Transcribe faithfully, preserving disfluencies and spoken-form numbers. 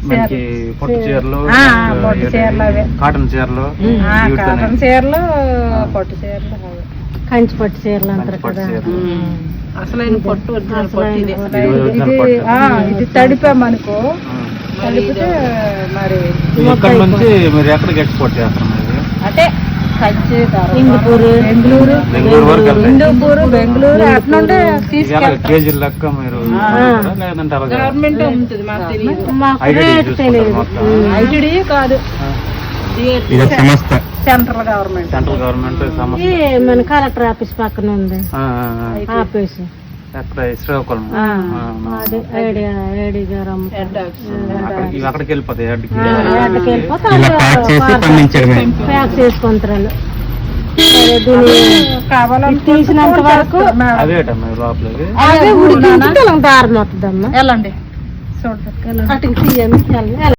మనకి పొట్టు చీరలు, పొట్టు చీరలు అవే, కాటన్ చీరలు, కాటన్ చీరలు, పొట్టు చీరలు, కంచి పట్టు చీరలు అంటారు కదా. అసలైన పొట్టు ఇది ఇది తడిపామనుకో, తడిపితే మరి ఇక్కడ నుంచి మీరు ఎక్కడికి ఎక్స్పోర్ట్ చేస్తారు? అంటే కంచి, హిందూపూరు, బెంగళూరు, బెంగళూరు వరకు హిందూపూరు, బెంగళూరు అట్నుండే తీసుకెళ్తారు. కేజీ లెక్క మీరు లేదంటే గవర్నమెంట్ అమ్ముతుంది, మాకు తెలియదు. మాకు రేటు తెలియదు. ఐటీడీ కాదు, సెంట్రల్ గవర్నమెంట్. సెంట్రల్ గవర్నమెంట్ ఈ మన కలెక్టర్ ఆఫీస్ పక్కన ఉంది ఆఫీస్. ఎక్కడ శ్రీకాకుళం అదే ఐడియా ఐడి గారు అక్కడికి వెళ్ళిపోతాయి. అక్కడికి వెళ్ళిపోతే ప్యాక్ చేసుకుంటారు. తీసినంత వరకు అదేటమ్మా లోపలికి అదే ఉడికి దారం అవుతుందమ్మా. వెళ్ళండి చూడండి. అటుకి తీయండి.